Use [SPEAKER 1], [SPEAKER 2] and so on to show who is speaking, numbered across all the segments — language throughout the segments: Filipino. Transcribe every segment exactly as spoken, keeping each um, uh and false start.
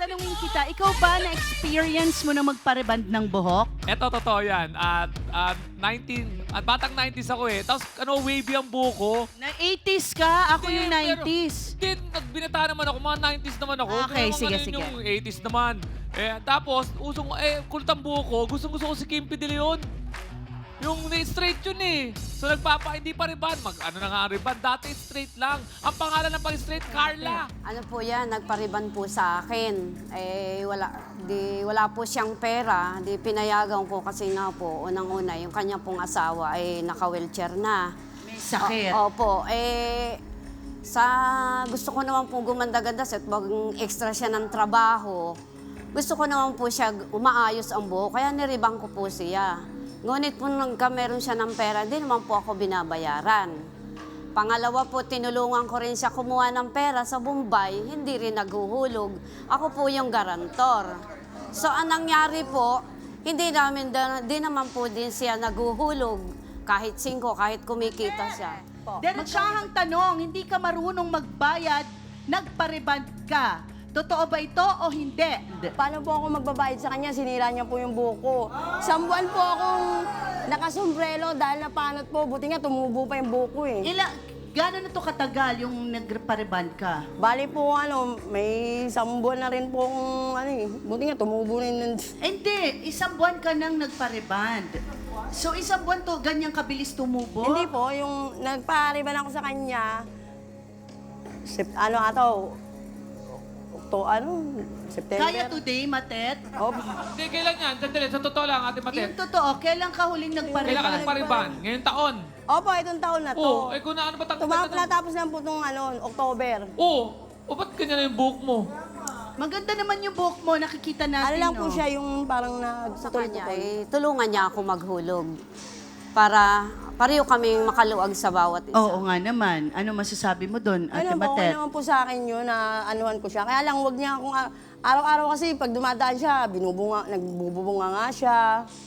[SPEAKER 1] tatanungin kita, ikaw ba na-experience mo na magpareband ng buhok?
[SPEAKER 2] Eto, totoo yan. At at nineteen, at batang nineties ako eh. Tapos ano, wavy ang buko.
[SPEAKER 1] Na eighties ka, ako yung
[SPEAKER 2] Hindi, pero-
[SPEAKER 1] nineties.
[SPEAKER 2] Hindi, nagbinata naman ako. Mga nineties naman ako.
[SPEAKER 1] Okay,
[SPEAKER 2] Pero
[SPEAKER 1] sige,
[SPEAKER 2] mga
[SPEAKER 1] sige.
[SPEAKER 2] Yung eighties naman. Eh, tapos, usong, eh, kulit ang buko. Gustong-gusto ko si Kimpi De Leon. Yung straight yun eh. So nagpapa, hindi pa riban. Mag, ano na nga ang riban? Dati straight lang. Ang pangalan ng pang-straight, Carla.
[SPEAKER 3] Ano po yan, nagpariban po sa akin. Eh, wala, di, wala po siyang pera. Di pinayagan ko kasi nga po, unang-una, yung kanya pong asawa ay naka-wheelchair na.
[SPEAKER 1] May sakit.
[SPEAKER 3] O- opo, eh, sa gusto ko naman po gumanda-ganda at bagong extra siya ng trabaho. Gusto ko naman po siya umaayos ang buhok, kaya niribang ko po siya. Ngunit po nagka meron siya ng pera, di naman po ako binabayaran. Pangalawa po, tinulungan ko rin siya kumuha ng pera sa Bombay, hindi rin naghuhulog. Ako po yung garantor. So, ang nangyari po, hindi namin, di naman po din siya naghuhulog. Kahit singko, kahit kumikita siya.
[SPEAKER 1] Diretsahang tanong, hindi ka marunong magbayad, nagpareband ka. Totoo ba ito o hindi?
[SPEAKER 4] Paano po ako magbabayad sa kanya? Sinira niya po yung buko. Isang buwan po akong nakasombrelo dahil napanot po. Buti nga tumubo pa yung buko eh.
[SPEAKER 1] Ila, gano'n na to katagal yung nagpareband ka?
[SPEAKER 4] Bali po ano, may isang buwan na rin po akong ano eh. Buti nga tumubo na yun.
[SPEAKER 1] Hindi, isang buwan ka nang nagpareband. So isang buwan to, ganyang kabilis tumubo?
[SPEAKER 4] Hindi po, yung nagpariban ako sa kanya, sep, ano ato, to ano, September.
[SPEAKER 1] Kaya today, Matet?
[SPEAKER 4] Oh,
[SPEAKER 2] Hindi, kailan yan? Sandali, sa totoo lang, Ate Matet.
[SPEAKER 1] Yung totoo, kailan ka huling
[SPEAKER 2] Kailan ka
[SPEAKER 1] nagpareband?
[SPEAKER 2] nagpariban? Ngayong taon.
[SPEAKER 4] opo, itong taon na to.
[SPEAKER 2] Oo, eh kung na ano ba
[SPEAKER 4] Tumapos
[SPEAKER 2] tanggal
[SPEAKER 4] na tapos lang po itong ano, October.
[SPEAKER 2] Oo, o ba't ganyan na yung buhok mo?
[SPEAKER 1] Maganda naman yung buhok mo, nakikita natin,
[SPEAKER 4] Ano lang po
[SPEAKER 1] no?
[SPEAKER 4] siya yung parang
[SPEAKER 3] Sa kanya,
[SPEAKER 4] nagputol-putol.
[SPEAKER 3] eh, tulungan niya ako maghulog. Para pareho kaming makaluwag sa bawat isa.
[SPEAKER 1] Oo nga naman. Ano masasabi mo doon, Ate
[SPEAKER 4] Ano po, okay
[SPEAKER 1] Matet?
[SPEAKER 4] naman po sa akin yun na anuhan ko siya. Kaya lang, wag niya akong, ah, araw-araw kasi pag dumadaan siya, binubunga, nagbubunga nga siya.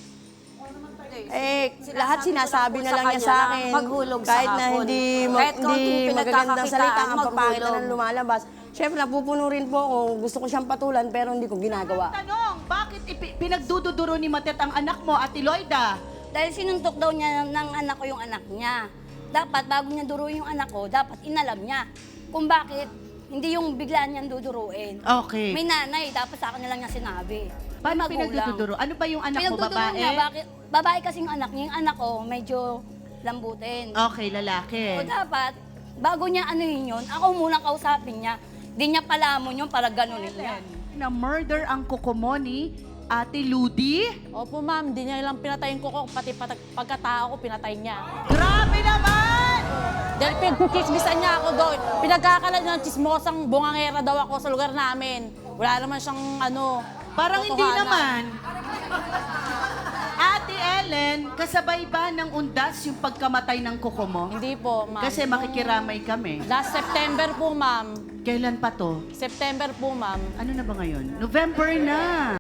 [SPEAKER 4] Eh, lahat sinasabi na lang niya sa akin.
[SPEAKER 3] Maghulog sa
[SPEAKER 4] kahit na
[SPEAKER 3] hapon.
[SPEAKER 4] hindi, ma-
[SPEAKER 3] Kahit
[SPEAKER 4] hindi
[SPEAKER 3] kaunting
[SPEAKER 4] magagandang
[SPEAKER 3] pinagkakakitaan,
[SPEAKER 4] salita, ang papangit na
[SPEAKER 3] maghulog.
[SPEAKER 4] nang lumalabas. Siyempre, napupuno rin po ako. Gusto ko siyang patulan, pero hindi ko ginagawa.
[SPEAKER 1] Tanong, bakit ipi- pinagdududuro ni Matet ang anak mo, Ate Loida?
[SPEAKER 5] Dahil sinuntok daw niya ng anak ko yung anak niya. Dapat bago niya duruin yung anak ko, dapat inalam niya kung bakit hindi yung biglaan niyang duduruin.
[SPEAKER 1] Okay.
[SPEAKER 5] May nanay, dapat sa akin na lang niya sinabi. May
[SPEAKER 1] Paano
[SPEAKER 5] magulang.
[SPEAKER 1] pinagdududuro? Ano ba yung anak mo,
[SPEAKER 5] Pinagduduro
[SPEAKER 1] babae?
[SPEAKER 5] niya, bakit? Babae kasi yung anak niya. Yung anak ko, medyo lambutin.
[SPEAKER 1] Okay, lalaki.
[SPEAKER 5] So dapat, bago niya anuhin yun, ako munang kausapin niya. Di niya palamon yun para ganunin niya.
[SPEAKER 1] Na murder ang kuko mo ni Ate Ludi?
[SPEAKER 6] Opo, ma'am. Di niya lang pinatayin ko ko, pati patag, pagkatao ko, pinatay niya.
[SPEAKER 1] Grabe naman!
[SPEAKER 6] Dahil pinagkismisan niya ako doon. Pinagkakalat niya ng chismosang bungangera daw ako sa lugar namin. Wala naman siyang ano,
[SPEAKER 1] Parang hindi
[SPEAKER 6] totohanan.
[SPEAKER 1] naman. Ate Ellen, kasabay ba ng undas yung pagkamatay ng kuko mo?
[SPEAKER 6] Hindi po, ma'am.
[SPEAKER 1] Kasi makikiramay kami.
[SPEAKER 6] Last September po, ma'am.
[SPEAKER 1] Kailan pa to?
[SPEAKER 6] September po, ma'am.
[SPEAKER 1] Ano na ba ngayon? November na.